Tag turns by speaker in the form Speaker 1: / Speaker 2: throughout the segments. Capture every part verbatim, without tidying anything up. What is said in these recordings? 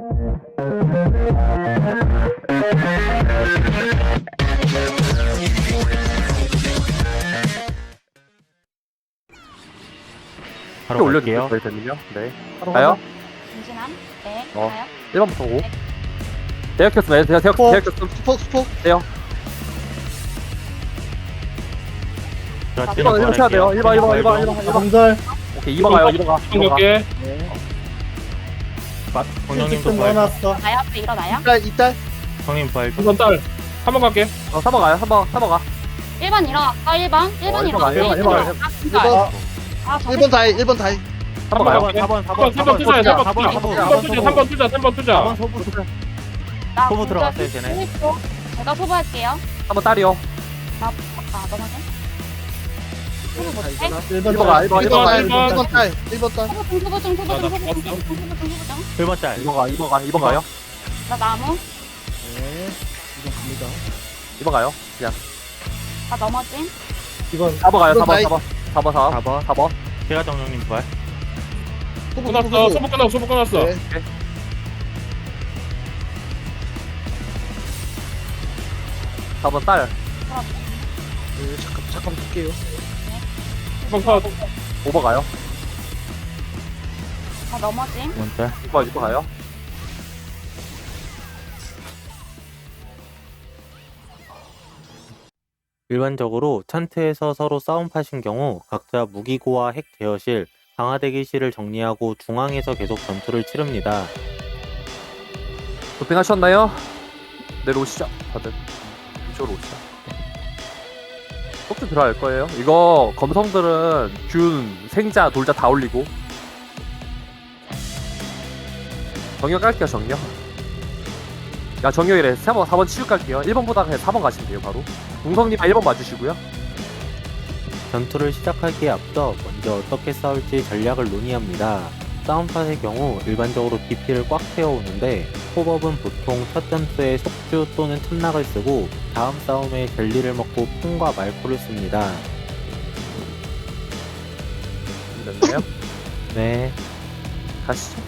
Speaker 1: 바로
Speaker 2: 올려주세요.
Speaker 1: 갈게요.
Speaker 2: 저희 되면요. 네.
Speaker 1: 바로
Speaker 2: 가요?
Speaker 1: 가자.
Speaker 3: 김진환. 네.
Speaker 2: 어.
Speaker 3: 가요.
Speaker 2: 일 번부터 오. 대역 켰음. 대역, 대역,
Speaker 4: 스포.
Speaker 2: 대역 켰음.
Speaker 4: 스포 스포.
Speaker 2: 대역.
Speaker 1: 제가
Speaker 2: 일 번, 일 번 쳐야 돼요. 일 번, 일 번, 일 번, 일 번, 일 번.
Speaker 4: 공절.
Speaker 2: 오케이, 이 번 가요. 이 번 가. 이 번 가.
Speaker 5: 갈게.
Speaker 4: 네.
Speaker 1: 정령님도
Speaker 4: 좀
Speaker 1: 부활.
Speaker 4: 넣어놨어.
Speaker 3: 나요? 앞에 일어나요?
Speaker 4: 이딸 이딸.
Speaker 1: 정님 부활.
Speaker 5: 이번 딸. 한 번 갈게.
Speaker 2: 어, 삼 번 가요. 삼 번, 삼 번 가.
Speaker 3: 일 번 일어났어. 일 번. 일 번
Speaker 2: 어, 일 번 가,
Speaker 3: 일어났어.
Speaker 2: 일 번, 일 번,
Speaker 3: 일 번. 아,
Speaker 4: 일
Speaker 3: 진짜.
Speaker 4: 번.
Speaker 3: 아, 저
Speaker 4: 일 번 다이. 일 번 다이.
Speaker 2: 삼 번 가요.
Speaker 1: 사 번, 사
Speaker 5: 삼 번,
Speaker 1: 번,
Speaker 5: 삼 번 투자, 삼 번
Speaker 1: 사 번,
Speaker 5: 투자.
Speaker 1: 사 번,
Speaker 5: 삼 번 투자, 삼 번 투자, 삼 번 투자.
Speaker 1: 사 번 소부 소부.
Speaker 3: 나
Speaker 1: 소부
Speaker 3: 진짜
Speaker 1: 들어갔어요, 쟤네.
Speaker 3: 소부. 제가 소부할게요.
Speaker 2: 삼 번 딸이요.
Speaker 3: 나, 아, 넘어져? 소부 못해?
Speaker 4: 일
Speaker 2: 일
Speaker 4: 번
Speaker 2: 번 가, 일 번,
Speaker 4: 일
Speaker 2: 일 번
Speaker 4: 번
Speaker 2: 가.
Speaker 4: 다이.
Speaker 5: 일
Speaker 4: 일
Speaker 5: 번.
Speaker 4: 번 딸. 일 번 딸.
Speaker 3: 소부 중, 소부 중, 소부
Speaker 5: 나,
Speaker 3: 중,
Speaker 5: 나
Speaker 3: 소부 중,
Speaker 5: 봤어.
Speaker 3: 소부 중, 소부 중, 소부 중.
Speaker 1: 일 번 짤.
Speaker 2: 이 번 가, 이 번 가, 이 번 가요.
Speaker 3: 나 나무.
Speaker 4: 네. 이번 갑니다.
Speaker 2: 이 번 가요. 그냥.
Speaker 3: 나 넘어짐.
Speaker 4: 이번.
Speaker 2: 사 번 가요. 사 번,
Speaker 4: 다이.
Speaker 2: 사 번. 사 번, 사
Speaker 1: 사
Speaker 2: 번.
Speaker 1: 번.
Speaker 2: 사 번.
Speaker 1: 제가 정령님 부활.
Speaker 4: 소부
Speaker 5: 끝났어.
Speaker 4: 소부
Speaker 5: 소부 끝났어. 소부 끝났어.
Speaker 4: 네.
Speaker 2: 사 번 딸.
Speaker 4: 네, 잠깐 잠깐 볼게요.
Speaker 5: 한 번 컷.
Speaker 2: 오 번 가요.
Speaker 3: 나 넘어짐.
Speaker 1: 이 번 짤.
Speaker 2: 육 번, 육 번 가요.
Speaker 1: 일반적으로 찬트에서 서로 싸움파신 경우 각자 무기고와 핵 제어실, 강화 대기실을 정리하고 중앙에서 계속 전투를 치릅니다.
Speaker 2: 도핑하셨나요? 내려오시죠. 다들. 이쪽으로 오시죠. 속도 들어갈 거예요. 이거 검성들은 균, 생자, 돌자 다 올리고. 정령 깔게요, 정령. 야, 정령이래. 사 번, 사 번 치유 깔게요. 일 번보다 그냥 사 번 가시면 돼요, 바로. 동성님 일 번 봐주시고요.
Speaker 1: 전투를 시작하기에 앞서 먼저 어떻게 싸울지 전략을 논의합니다. 싸움팟의 경우 일반적으로 비피를 꽉 채워오는데 호법은 보통 첫 전투에 속주 또는 틈락을 쓰고 다음 싸움에 젤리를 먹고 풍과 말포를 씁니다.
Speaker 2: 됐나요?
Speaker 1: 네,
Speaker 2: 가시죠.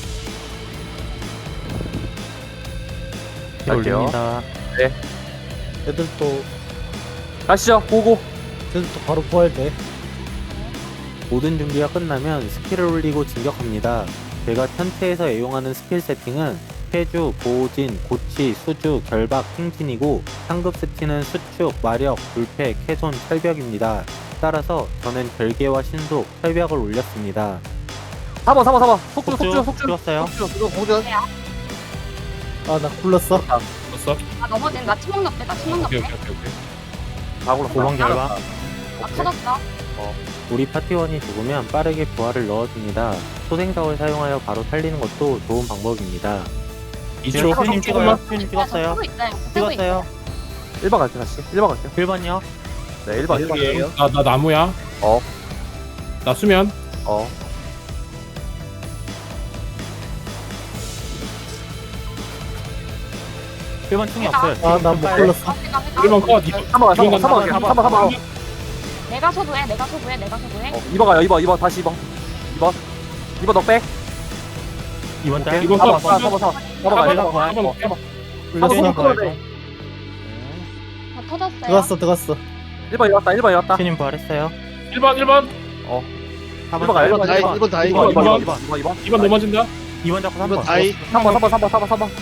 Speaker 1: 피
Speaker 2: 갈게요.
Speaker 1: 올립니다.
Speaker 4: 애들 또
Speaker 2: 가시죠. 고고.
Speaker 4: 애들 또 바로 부활돼.
Speaker 1: 모든 준비가 끝나면 스킬을 올리고 진격합니다. 제가 천체에서 애용하는 스킬 세팅은 폐주, 보호진, 고치, 수주, 결박, 행진이고 상급 스킬은 수축, 마력, 불패, 캐손, 철벽입니다. 따라서 저는 결계와 신속, 철벽을 올렸습니다.
Speaker 2: 사 번, 사 번, 사 번. 속주, 속주,
Speaker 1: 속주
Speaker 2: 속주.
Speaker 1: 죽었어요.
Speaker 2: 속주.
Speaker 4: 이거 공절. 아 나 굴렀어.
Speaker 5: 됐어.
Speaker 3: 나 넘어짐. 나 치명 넣게. 나 치명
Speaker 5: 오케이,
Speaker 3: 넣게.
Speaker 5: 오케이, 오케이, 오케이.
Speaker 2: 다 굴렀어.
Speaker 1: 도망 결박.
Speaker 3: 나 터졌어.
Speaker 1: 우리 파티원이 죽으면 빠르게 부활을 넣어줍니다. 소생사를 사용하여 바로 살리는 것도 좋은 방법입니다.
Speaker 5: 이 초.
Speaker 1: 님 찍어요. 님 찍었어요.
Speaker 3: 쓰고 있어요. 쓰고 있어요.
Speaker 1: 찍었어요.
Speaker 2: 일 번 갈게요, 다시. 일 번 갈게요.
Speaker 1: 일 번이요.
Speaker 2: 네, 일 번. 일 번.
Speaker 4: 갈게요.
Speaker 5: 나, 나 나무야.
Speaker 2: 어,
Speaker 5: 나 수면.
Speaker 2: 어.
Speaker 1: 일 번 충이 없어요.
Speaker 4: 아 나 못 굴렀어.
Speaker 5: 일 번 컷.
Speaker 2: 삼 번 가, 삼 번 가, 삼 번 갈게요. 삼 번, 삼 번.
Speaker 3: 내가 소부해. 내가 소부해. 내가 소부해.
Speaker 2: 어, 이 번 가요, 이 번, 이 번. 다시 이 번. 이 번. 이 번 너 빼.
Speaker 1: 이 번 짤.
Speaker 5: 이 번
Speaker 2: 사 번,
Speaker 5: 컷.
Speaker 2: 사 번, 사 번, 사 번. 사 번 가요, 사 번.
Speaker 5: 한 번.
Speaker 2: 사 번.
Speaker 4: 굴렀어.
Speaker 2: 사 번
Speaker 1: 부활.
Speaker 2: 돼.
Speaker 3: 나 터졌어요.
Speaker 4: 들어갔어 들어갔어.
Speaker 2: 일 번 일어났다, 일 번 일어났다.
Speaker 1: 신님 부활했어요.
Speaker 5: 일 번, 일 번.
Speaker 2: 일 번 가요, 일 번,
Speaker 4: 다이.
Speaker 2: 일 번.
Speaker 4: 일 번 다이.
Speaker 2: 이 번, 이 번,
Speaker 5: 번.
Speaker 2: 이 번, 이 번, 이 번.
Speaker 5: 이 번 넘어진다.
Speaker 1: 이 번 잡고 삼
Speaker 4: 이번
Speaker 1: 번.
Speaker 4: 다이.
Speaker 2: 삼 번, 삼 번, 삼 번, 삼 번, 삼 번.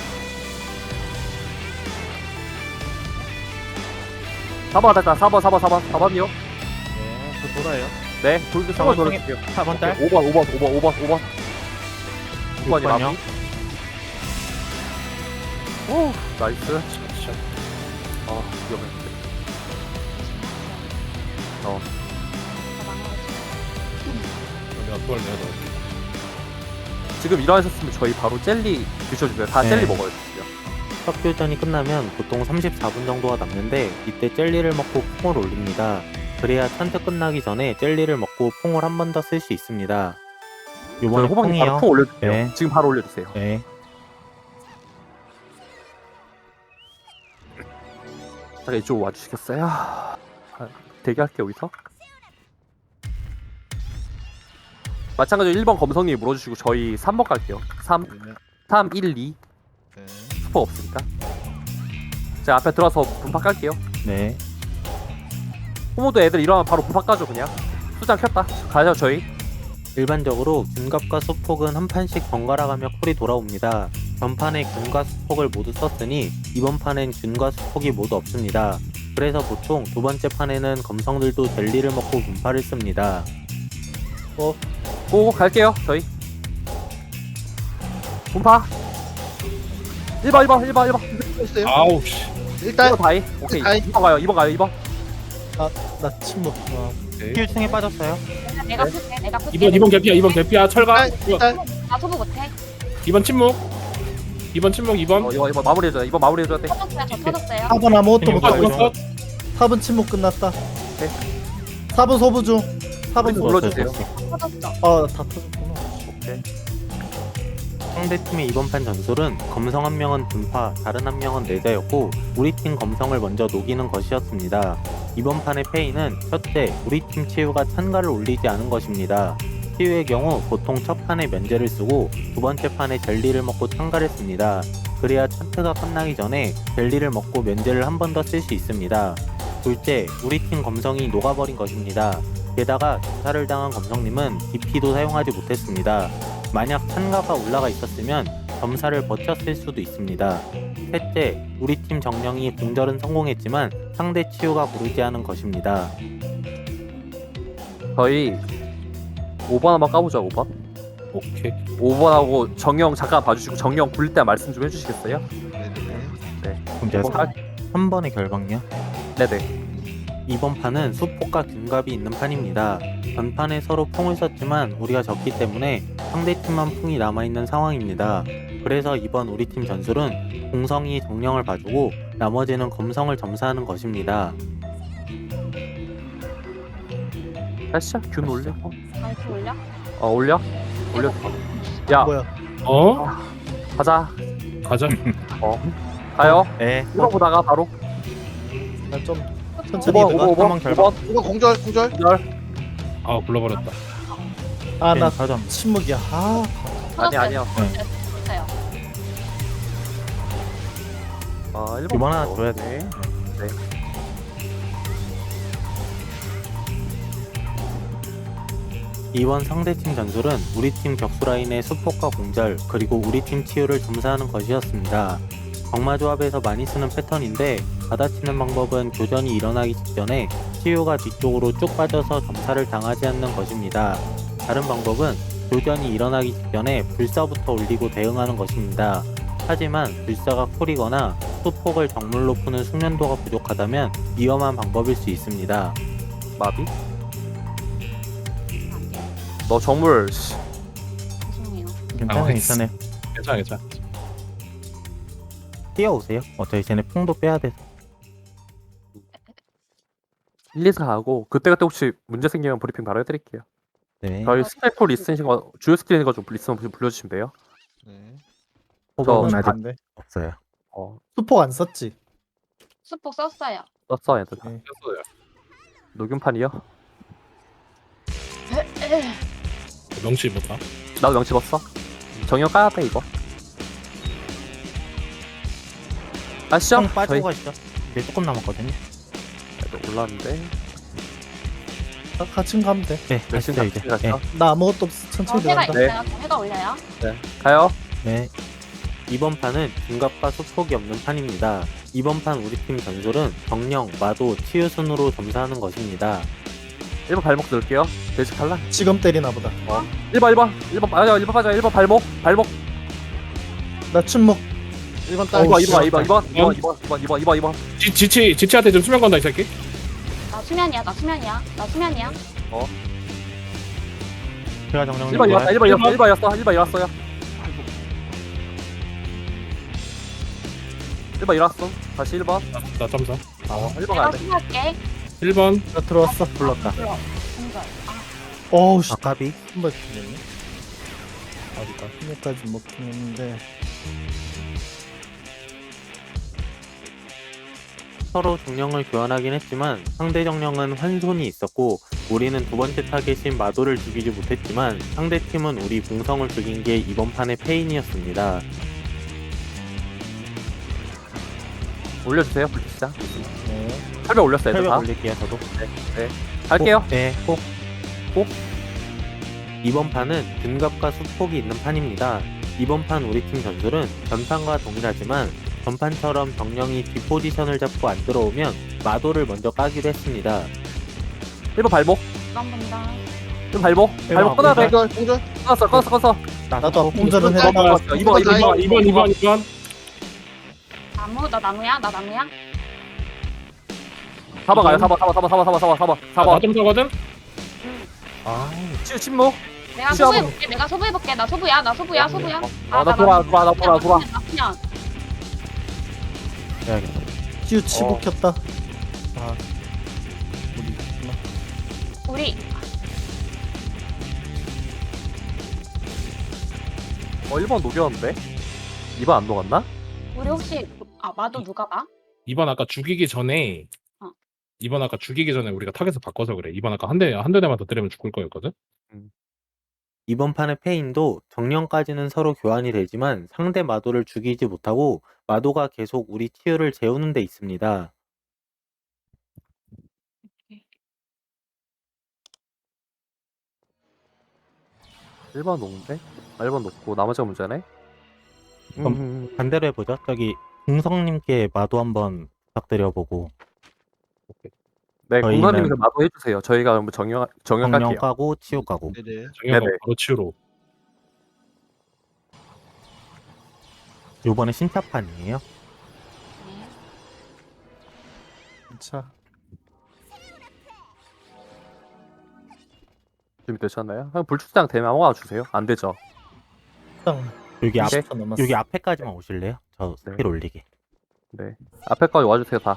Speaker 2: 사 번 됐다, 사 번, 사 번, 사 번, 사 번이요.
Speaker 1: 네, 저 돌아요.
Speaker 2: 네, 돌도 사 번 돌릴게요.
Speaker 1: 사 번 짤.
Speaker 2: 오 번, 오 번, 오 번, 오 번, 오 번. 육 번이
Speaker 1: 육 번이요.
Speaker 2: 마무리. 오, 나이스. 아, 위험했는데. 어,
Speaker 5: 내가 그걸 내가 넣을게.
Speaker 2: 지금 일어나셨으면 저희 바로 젤리 드셔주세요. 다
Speaker 1: 네.
Speaker 2: 젤리 먹어요, 진짜.
Speaker 1: 석교전이 끝나면 보통 삼십사 분 정도가 남는데 이때 젤리를 먹고 풍을 올립니다. 그래야 찬트 끝나기 전에 젤리를 먹고 풍을 한 번 더 쓸 수 있습니다.
Speaker 2: 저희
Speaker 1: 요번에
Speaker 2: 호박님 바로
Speaker 1: 풍이요.
Speaker 2: 통 올려주세요.
Speaker 1: 네.
Speaker 2: 지금 바로 올려주세요.
Speaker 1: 네.
Speaker 2: 잠깐 이쪽으로 와주시겠어요? 아, 대기할게요, 여기서. 마찬가지로 일 번 검성님 물어주시고 저희 삼 번 갈게요. 삼, 삼, 일, 이.
Speaker 6: 네.
Speaker 2: 스포 없으니까. 제가 앞에 들어서 분파 깔게요.
Speaker 1: 네.
Speaker 2: 호모도 애들 일어나면 바로 분파 까죠 그냥. 수장 켰다. 가죠 저희.
Speaker 1: 일반적으로 균갑과 수폭은 한 판씩 번갈아 가며 쿨이 돌아옵니다. 전판에 균과 수폭을 모두 썼으니 이번 판엔 균과 수폭이 모두 없습니다. 그래서 보통 두 번째 판에는 검성들도 젤리를 먹고 분파를 씁니다.
Speaker 2: 고 갈게요 저희. 분파. 일 번 일 번 일 번 일 번
Speaker 6: 했어요.
Speaker 5: 아우 씨.
Speaker 6: 일단
Speaker 2: 일 번 다이. 오케이.
Speaker 6: 다이.
Speaker 2: 이 번 가요 이 번 가요 이 번.
Speaker 4: 나 침묵. 아,
Speaker 5: 오케이.
Speaker 1: 힐층에 빠졌어요.
Speaker 3: 내가 내가 풀게 내가 풀게.
Speaker 5: 이번 이번 개피야 이번 개피야 철가.
Speaker 6: 일단 일단
Speaker 3: 나 소부 못해.
Speaker 5: 이번 침묵. 이번 침묵 이번.
Speaker 2: 어, 이번 이번 마무리해줘야 돼. 이번 마무리해줘야 돼.
Speaker 3: 터졌어요. 저 터졌어요.
Speaker 4: 사 번 아무것도
Speaker 5: 이번 컷,
Speaker 4: 못하고
Speaker 5: 이번
Speaker 4: 있어.
Speaker 5: 컷.
Speaker 4: 사 번 침묵 끝났다.
Speaker 2: 오케이.
Speaker 4: 사 번 소부 중. 사 번 소부.
Speaker 2: 눌러주세요.
Speaker 3: 터졌어.
Speaker 4: 아, 다 터졌구나.
Speaker 2: 오케이.
Speaker 1: 상대팀의 이번 판 전술은 검성 한 명은 분파, 다른 한 명은 내자였고 우리 팀 검성을 먼저 녹이는 것이었습니다. 이번 판의 페이는 첫째, 우리 팀 치유가 찬가를 올리지 않은 것입니다. 치유의 경우 보통 첫 판에 면제를 쓰고 두 번째 판에 젤리를 먹고 찬가를 씁니다. 그래야 차트가 끝나기 전에 젤리를 먹고 면제를 한 번 더 쓸 수 있습니다. 둘째, 우리 팀 검성이 녹아버린 것입니다. 게다가 점사를 당한 검성님은 디피도 사용하지 못했습니다. 만약 찬가가 올라가 있었으면 점사를 버텼을 수도 있습니다. 셋째, 우리 팀 정령이 공절은 성공했지만 상대 치유가 고르지 않은 것입니다.
Speaker 2: 저희 오 번 한번 까보자 오 번.
Speaker 5: 오케이.
Speaker 2: 오 번하고 정영 잠깐 봐주시고 정영 굴릴 때 말씀 좀 해주시겠어요?
Speaker 6: 네네.
Speaker 1: 그럼 제가
Speaker 2: 오 번
Speaker 1: 한 번의 결방요.
Speaker 2: 네네.
Speaker 1: 이번 판은 수폭과 균갑이 있는 판입니다. 전판에 서로 풍을 썼지만 우리가 졌기 때문에 상대팀만 풍이 남아있는 상황입니다. 그래서 이번 우리 팀 전술은 공성이 정령을 봐주고 나머지는 검성을 점사하는 것입니다.
Speaker 2: 다시야 균 올리고.
Speaker 3: 다이트 올려.
Speaker 2: 어 올려. 올려. 야
Speaker 4: 뭐야?
Speaker 5: 어?
Speaker 2: 가자.
Speaker 5: 가자.
Speaker 2: 어 가요.
Speaker 1: 네.
Speaker 2: 일 번 보다가 바로
Speaker 4: 나 좀
Speaker 2: 오
Speaker 4: 천천히
Speaker 2: 번 오
Speaker 4: 들어가.
Speaker 2: 번 오 번
Speaker 1: 한번
Speaker 2: 오 번.
Speaker 6: 이거 공절 공절.
Speaker 2: 공절.
Speaker 5: 아 불러버렸다.
Speaker 4: 아, 나
Speaker 1: 사점.
Speaker 4: 침묵이야. 아,
Speaker 2: 아니 아니야.
Speaker 3: 터졌어요.
Speaker 2: 아 일 번.
Speaker 1: 이번 하나 줘야 돼.
Speaker 2: 네.
Speaker 1: 이번 상대팀 전술은 우리 팀 격수 라인의 수폭과 공절 그리고 우리 팀 치유를 점사하는 것이었습니다. 정마 조합에서 많이 쓰는 패턴인데 받아치는 방법은 교전이 일어나기 직전에 치유가 뒤쪽으로 쭉 빠져서 점사를 당하지 않는 것입니다. 다른 방법은 교전이 일어나기 직전에 불사부터 올리고 대응하는 것입니다. 하지만 불사가 쿨이거나 수폭을 정물로 푸는 숙련도가 부족하다면 위험한 방법일 수 있습니다.
Speaker 2: 마비. 너 정물. 씨.
Speaker 3: 죄송해요.
Speaker 1: 괜찮아요, 괜찮아요.
Speaker 5: 괜찮아 괜찮아.
Speaker 1: 뛰어오세요. 어차피 쟤네 풍도 빼야 돼서.
Speaker 2: 일, 이, 사 하고 그때그때 혹시 문제 생기면 브리핑 바로 해드릴게요.
Speaker 1: 네.
Speaker 2: 저희 스킬풀 있으신 거 주요 스킬인 거좀 있으면 불러주시면 돼요.
Speaker 6: 네.
Speaker 1: 호박은
Speaker 2: 저-
Speaker 1: 아직
Speaker 4: 안 돼.
Speaker 1: 없어요.
Speaker 2: 어
Speaker 4: 수폭 안 썼지?
Speaker 3: 수폭 썼어요.
Speaker 2: 썼어 얘들.
Speaker 4: 네.
Speaker 5: 됐어요.
Speaker 2: 녹음판이요?
Speaker 5: 명치 못하.
Speaker 2: 나도 명치 봤어. 정형 까야 돼 이거. 아시죠?
Speaker 1: 형 빠지고
Speaker 2: 저희
Speaker 1: 가시죠. 이제 조금 남았거든요.
Speaker 2: 애들 올랐는데.
Speaker 4: 나 같이 가면 돼.
Speaker 1: 네,
Speaker 2: 열심히
Speaker 1: 가시죠 이제.
Speaker 2: 같이
Speaker 1: 네.
Speaker 2: 가죠.
Speaker 4: 나 아무것도 없어.
Speaker 3: 어,
Speaker 4: 천천히
Speaker 3: 해가
Speaker 4: 들어간다.
Speaker 3: 있어요. 저 해가 올려요.
Speaker 2: 가요.
Speaker 1: 네. 이번 판은 중갑과 수폭이 없는 판입니다. 이번 판 우리 팀 전술은 정령, 마도, 치유 순으로 점사하는 것입니다.
Speaker 2: 일 번 발목 넣을게요. 베이직 탈락.
Speaker 4: 지금 때리나 보다.
Speaker 2: 일 번 일 번 일 번 맞아 일 번 맞아 일 번 발목 발목.
Speaker 4: 나 침묵.
Speaker 6: 일 번
Speaker 2: 이
Speaker 6: 딸.
Speaker 2: 번 이 번 이 번 이 번 이 번 이 번 이 번 이 번 이 번 이 번.
Speaker 5: 지 지치 지치한테 좀 수면 건다 이 새끼.
Speaker 3: 나 수면이야. 나 수면이야. 나 수면이야.
Speaker 1: 제가 정령
Speaker 2: 일 번 일었다 일 번 일었어 일 번 일었어 일 번 일었어요. 일 번 일었어. 다시 일 번.
Speaker 5: 나 점사.
Speaker 2: 어 일 번 가야
Speaker 3: 내가
Speaker 2: 돼.
Speaker 3: 수면할게.
Speaker 5: 일 번.
Speaker 4: 나 들어왔어.
Speaker 1: 불렀다.
Speaker 3: 들어. 공절. 아,
Speaker 4: 어우, 씨.
Speaker 1: 아까비.
Speaker 4: 한번 죽겠네. 어디가? 힘까지 먹긴 했는데.
Speaker 1: 서로 정령을 교환하긴 했지만 상대 정령은 환손이 있었고 우리는 두 번째 타겟인 마도를 죽이지 못했지만 상대팀은 우리 궁성을 죽인 게 이번 판의 페인이었습니다.
Speaker 2: 올려주세요. 불시자.
Speaker 4: 네.
Speaker 2: 팔백 올렸어요. 애들
Speaker 1: 철벽
Speaker 2: 다.
Speaker 1: 올릴게요 저도.
Speaker 2: 갈게요.
Speaker 1: 꼭, 네, 꼭. 꼭. 이번 판은 균갑과 수폭이 있는 판입니다. 이번 판 우리 팀 전술은 전판과 동일하지만 전판처럼 정령이 뒷포지션을 잡고 안 들어오면 마도를 먼저 까기로 했습니다.
Speaker 2: 일 번 발목.
Speaker 3: 난 본다.
Speaker 2: 일 번 발목.
Speaker 1: 번
Speaker 2: 발목 끊어야 돼.
Speaker 6: 공절 공절.
Speaker 2: 끊었어. 끊었어. 끊었어.
Speaker 4: 나도 공절은
Speaker 6: 이번
Speaker 4: 해봐.
Speaker 6: 달-
Speaker 2: 끊었어. 이번 이번 이번
Speaker 5: 이번 이번 이번
Speaker 3: 나무 나 나무야 나 나무야.
Speaker 2: 사 번 가요. 사 번 사 번 사 번 사 번 사 번 사 번 사 번 사 번.
Speaker 5: 나좀 사거든.
Speaker 1: 아,
Speaker 2: 치 침묵.
Speaker 3: 내가
Speaker 2: 시작.
Speaker 3: 소부해볼게. 내가 소부해볼게. 나 소부야. 나 소부야. 소부야.
Speaker 2: 아, 나 돌아 돌아 나 돌아 돌아.
Speaker 3: 그냥
Speaker 1: 해야겠다.
Speaker 4: 찌우 치부
Speaker 2: 어.
Speaker 4: 켰다. 아. 우리 있구나.
Speaker 3: 우리
Speaker 2: 어 일 번 녹였는데. 이 번 안 녹았나?
Speaker 3: 우리 혹시 아 마도 누가 봐?
Speaker 5: 이번 아까 죽이기 전에
Speaker 3: 어.
Speaker 5: 이번 아까 죽이기 전에 우리가 타겟을 바꿔서 그래. 이번 아까 한 대 한 대만 더 때리면 죽을 거였거든.
Speaker 1: 이번 판의 페인도 정령까지는 서로 교환이 되지만 상대 마도를 죽이지 못하고 마도가 계속 우리 치유를 재우는 데 있습니다.
Speaker 2: 일 번 녹는데? 아, 일 번 녹고 나머지가 문제네?
Speaker 1: 그럼
Speaker 2: 음,
Speaker 1: 반대로 해보죠. 저기 궁성님께 마도 한번 부탁드려보고
Speaker 2: 네,
Speaker 1: 저희는-
Speaker 2: 공사님께서 마도 해주세요. 저희가 그럼 정령, 정령
Speaker 1: 정령
Speaker 2: 깔게요.
Speaker 1: 까고 치유 까고.
Speaker 6: 네네.
Speaker 5: 정혁아
Speaker 2: 네네.
Speaker 5: 바로 치유로.
Speaker 1: 요번에 신차판이에요.
Speaker 3: 네.
Speaker 4: 자,
Speaker 2: 준비되셨나요? 그럼 불출장 되면 아무거나 주세요. 안 되죠?
Speaker 4: 일단
Speaker 1: 여기 앞,
Speaker 4: 이십 초 남았어.
Speaker 1: 여기 앞에까지만 오실래요? 저 스킬
Speaker 2: 네.
Speaker 1: 올리게.
Speaker 2: 네. 앞에까지 와주세요, 다.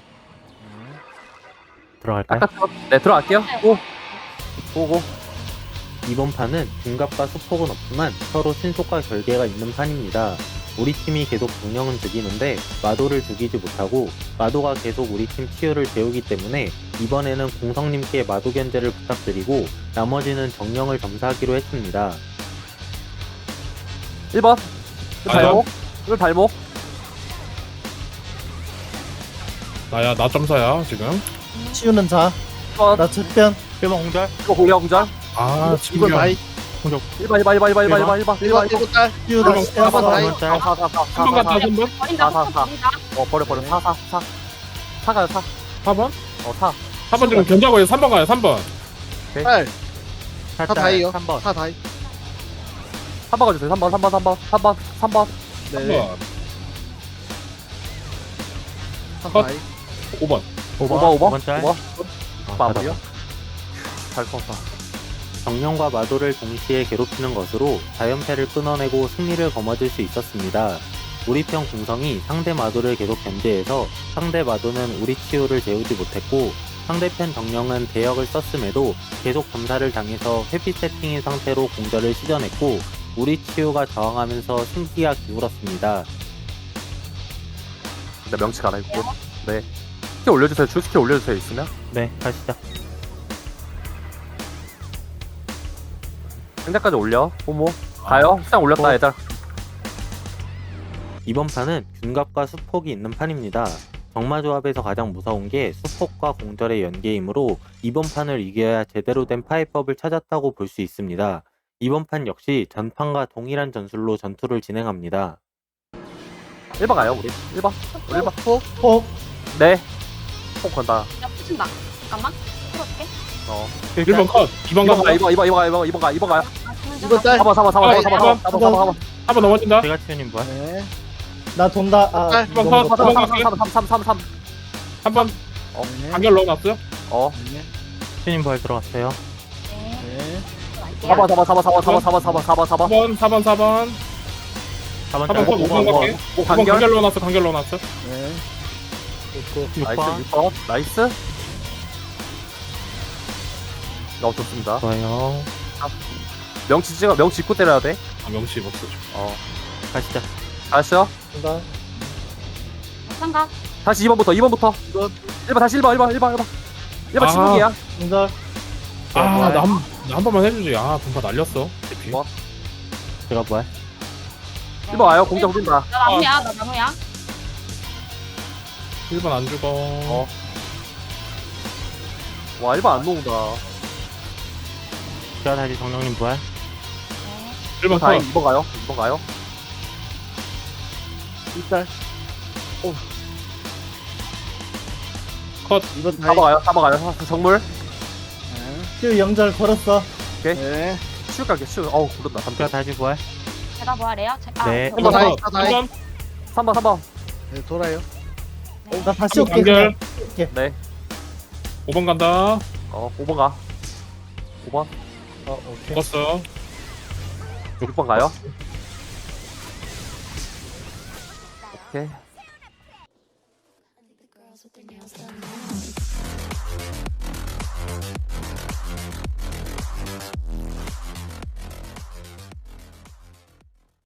Speaker 1: 들어갈까요?
Speaker 2: 아까 들어, 네, 들어갈게요. 오! 오고.
Speaker 1: 이번 판은 중갑과 수폭은 없지만 서로 신속과 결계가 있는 판입니다. 우리 팀이 계속 정령은 죽이는데 마도를 죽이지 못하고 마도가 계속 우리 팀 치유를 재우기 때문에 이번에는 공성님께 마도 견제를 부탁드리고 나머지는 정령을 점사하기로 했습니다.
Speaker 2: 일 번. 일
Speaker 5: 아,
Speaker 2: 발목. 일 발목.
Speaker 5: 나야 나 점사야 지금.
Speaker 4: 치우는 자.
Speaker 2: 일 번.
Speaker 4: 나 측변.
Speaker 1: 일 번 공절.
Speaker 2: 이거 공격 공절.
Speaker 5: 아
Speaker 6: 이번
Speaker 5: 지금
Speaker 6: 다이.
Speaker 2: 일 번, 일 번, 일 번, 일 번, 일 번, 일 번, 일 번, 일 번,
Speaker 6: 일번 일번 딸.
Speaker 4: 치우 나
Speaker 5: 일번,
Speaker 4: 치우
Speaker 6: 일번 다이.
Speaker 1: 일 번 짤.
Speaker 2: 사, 사, 사, 사,
Speaker 5: 한 번
Speaker 2: 사,
Speaker 5: 갔다
Speaker 2: 사.
Speaker 5: 한 번.
Speaker 3: 버린다.
Speaker 2: 사, 사, 사.
Speaker 3: 버린다.
Speaker 2: 어, 버려, 버려. 사, 사, 사. 사 가요, 사.
Speaker 5: 사 번.
Speaker 2: 어, 사.
Speaker 5: 사 번 지금 견제하고 삼 번 가요. 삼 번.
Speaker 6: 딸.
Speaker 1: 사
Speaker 6: 사 다이요.
Speaker 1: 삼 번.
Speaker 6: 사 다이.
Speaker 2: 삼 번 가주세요. 삼 번, 삼 번, 삼 번, 삼 번, 삼 번.
Speaker 5: 삼
Speaker 6: 네.
Speaker 5: 번.
Speaker 6: 사
Speaker 5: 컷.
Speaker 6: 다이.
Speaker 5: 오 번.
Speaker 2: 오 번, 오 번,
Speaker 1: 오 번 짤.
Speaker 2: 오 번.
Speaker 1: 아,
Speaker 2: 마무리요?
Speaker 1: 받았다.
Speaker 2: 잘 컸다.
Speaker 1: 정령과 마도를 동시에 괴롭히는 것으로 자연패를 끊어내고 승리를 거머쥘 수 있었습니다. 우리 편 궁성이 상대 마도를 계속 견제해서 상대 마도는 우리 치유를 재우지 못했고 상대편 정령은 대역을 썼음에도 계속 점사를 당해서 회피 세팅인 상태로 공절을 시전했고 우리 치유가 저항하면서 승기가 기울었습니다.
Speaker 2: 네, 명치 갈아입고. 네. 스킬 올려주세요. 주 스킬 올려주세요. 있으면.
Speaker 1: 네, 가시죠.
Speaker 2: 상자까지 올려. 호모. 가요. 시장 올렸다,
Speaker 1: 어.
Speaker 2: 얘들.
Speaker 1: 이번 판은 균갑과 수폭이 있는 판입니다. 정마 조합에서 가장 무서운 게 수폭과 공절의 연계이므로 이번 판을 이겨야 제대로 된 파이법을 찾았다고 볼 수 있습니다. 이번 판 역시 전판과 동일한 전술로 전투를 진행합니다.
Speaker 2: 일 번 가요, 우리. 일 번. 우리 일 번.
Speaker 6: 폭.
Speaker 4: 폭.
Speaker 2: 네. 폭 건다.
Speaker 3: 야 붙인다. 잠깐만. 풀어줄게.
Speaker 2: 어.
Speaker 5: 일 번 컷. 이 번
Speaker 2: 이 번
Speaker 5: 가.
Speaker 2: 가, 이 번, 이 번, 이 번 가, 이 번, 이 번 가, 이 번 가요.
Speaker 3: 아, 주문 좀
Speaker 6: 이번 딸.
Speaker 2: 사 번, 사 번, 사 번, 사 번, 사 번, 사 번, 사 번, 사 번.
Speaker 5: 한 번 넘어진다.
Speaker 1: 제가 치유님 부활.
Speaker 6: 네.
Speaker 4: 나 돈다. 아,
Speaker 6: 딸.
Speaker 4: 이거
Speaker 5: 일 번 컷.
Speaker 4: 먹었다.
Speaker 5: 삼 번 갈게.
Speaker 2: 삼, 삼, 삼, 삼, 삼.
Speaker 5: 한 번.
Speaker 6: 네.
Speaker 5: 간결 넣어놨어요.
Speaker 2: 어.
Speaker 6: 네.
Speaker 1: 치유님 부활 들어갔어요.
Speaker 3: 네.
Speaker 6: 네.
Speaker 2: 사 번, 사 번, 사 번, 사 번, 사 번, 사 번, 사 번, 사 번, 사
Speaker 5: 사
Speaker 2: 번.
Speaker 5: 번. 사 번. 사 번.
Speaker 1: 사 번
Speaker 5: 사 번
Speaker 1: 짤.
Speaker 5: 컷. 오 번 갈게.
Speaker 2: 오,
Speaker 5: 오 번
Speaker 2: 간결.
Speaker 5: 간결 넣어놨어. 간결 넣어놨어.
Speaker 6: 네.
Speaker 4: 됐고.
Speaker 1: 육
Speaker 2: 나이스,
Speaker 1: 번.
Speaker 2: 육 번. 나이스. 어, 좋습니다.
Speaker 1: 좋아요.
Speaker 2: 명치 찍어, 명치 입고 때려야 돼.
Speaker 5: 아 명시 먹어.
Speaker 2: 어.
Speaker 1: 가시죠.
Speaker 2: 다시요.
Speaker 4: 돈다.
Speaker 3: 상가.
Speaker 2: 다시 이 번부터, 이 번부터.
Speaker 6: 이번.
Speaker 2: 일 번, 다시 일 번, 일 번, 일 번, 일 번. 일 번
Speaker 5: 아.
Speaker 2: 침묵이야.
Speaker 4: 공절.
Speaker 5: 아, 나 한, 나한 번만 해주지. 아, 분파 날렸어. 대피.
Speaker 2: 뭐?
Speaker 1: 제가 부활.
Speaker 2: 일 번 와요. 공격 뛴다.
Speaker 3: 나 나무야, 나 나무야.
Speaker 5: 일 번 안 죽어.
Speaker 2: 어. 와, 일 번 안 녹는다.
Speaker 1: 제가 다시 정령님 부활.
Speaker 3: 네.
Speaker 5: 일 번
Speaker 2: 다행
Speaker 5: 컷.
Speaker 2: 이 번 가요. 이 번 가요.
Speaker 6: 일달.
Speaker 5: 컷.
Speaker 6: 이번
Speaker 2: 사
Speaker 6: 다이.
Speaker 2: 번 가요. 사 번 가요. 정물.
Speaker 6: 네.
Speaker 4: 큐 영절 걸었어.
Speaker 6: 네.
Speaker 2: 치우 갈게. 치우. 어우, 부른다.
Speaker 1: 제가 다시 부활.
Speaker 3: 제가 뭐하래요? 제, 아,
Speaker 1: 네.
Speaker 3: 저-
Speaker 5: 일 번
Speaker 6: 다이,
Speaker 5: 컷.
Speaker 6: 다 다이.
Speaker 5: 일 번.
Speaker 2: 삼 번, 삼 번.
Speaker 6: 네, 돌아요.
Speaker 3: 네.
Speaker 4: 나 다시
Speaker 5: 일
Speaker 4: 올게.
Speaker 5: 번
Speaker 4: 그냥.
Speaker 5: 간결.
Speaker 2: 네.
Speaker 5: 오 번 간다.
Speaker 2: 어, 오 번 가. 오 번.
Speaker 4: 어, 오케이.
Speaker 5: 죽었어.
Speaker 2: 육 번 가요. 오케이.
Speaker 7: The girls with their nails done now.